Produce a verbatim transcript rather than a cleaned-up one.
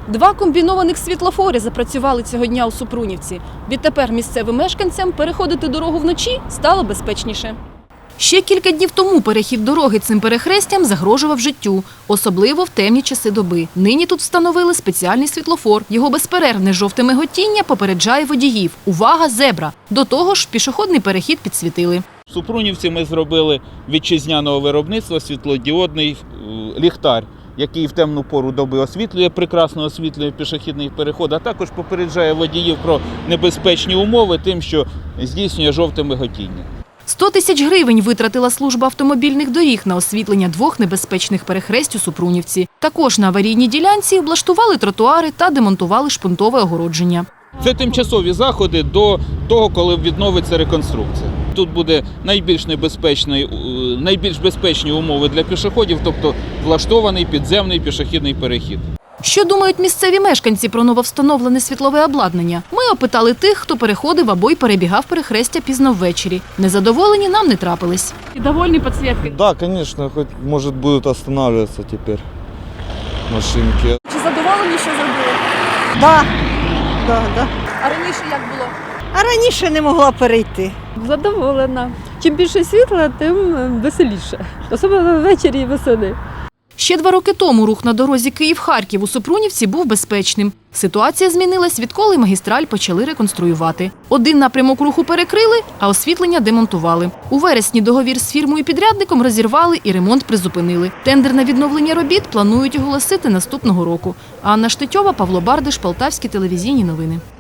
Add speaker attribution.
Speaker 1: Два комбінованих світлофори запрацювали цього дня у Супрунівці. Відтепер місцевим мешканцям переходити дорогу вночі стало безпечніше. Ще кілька днів тому перехід дороги цим перехрестям загрожував життю, особливо в темні часи доби. Нині тут встановили спеціальний світлофор. Його безперервне жовте миготіння попереджає водіїв. Увага, зебра! До того ж, пішохідний перехід підсвітили.
Speaker 2: В Супрунівці ми зробили вітчизняного виробництва світлодіодний ліхтар, який в темну пору доби освітлює, прекрасно освітлює пішохідний переход, а також попереджає водіїв про небезпечні умови тим, що здійснює жовте миготіння.
Speaker 1: сто тисяч гривень витратила служба автомобільних доріг на освітлення двох небезпечних перехресть у Супрунівці. Також на аварійній ділянці облаштували тротуари та демонтували шпунтове огородження.
Speaker 2: Це тимчасові заходи до того, коли відновиться реконструкція. Тут буде найбільш небезпечний, найбільш безпечні умови для пішоходів, тобто влаштований підземний пішохідний перехід.
Speaker 1: Що думають місцеві мешканці про нововстановлене світлове обладнання? Ми опитали тих, хто переходив або й перебігав перехрестя пізно ввечері. Незадоволені нам не трапились. Довольні підсвіткою?
Speaker 3: Да, конечно, хоть, может, будут останавливаться теперь машинки.
Speaker 1: Чи задоволені, що зробили?
Speaker 4: Да, да, да.
Speaker 1: А раніше як було?
Speaker 4: А раніше не могла перейти.
Speaker 5: Задоволена. Чим більше світла, тим веселіше. Особливо ввечері і восени.
Speaker 1: Ще два роки тому рух на дорозі Київ-Харків у Супрунівці був безпечним. Ситуація змінилась, відколи магістраль почали реконструювати. Один напрямок руху перекрили, а освітлення демонтували. У вересні договір з фірмою-підрядником розірвали і ремонт призупинили. Тендер на відновлення робіт планують оголосити наступного року. Анна Штетьова, Павло Бардиш, Полтавські телевізійні новини.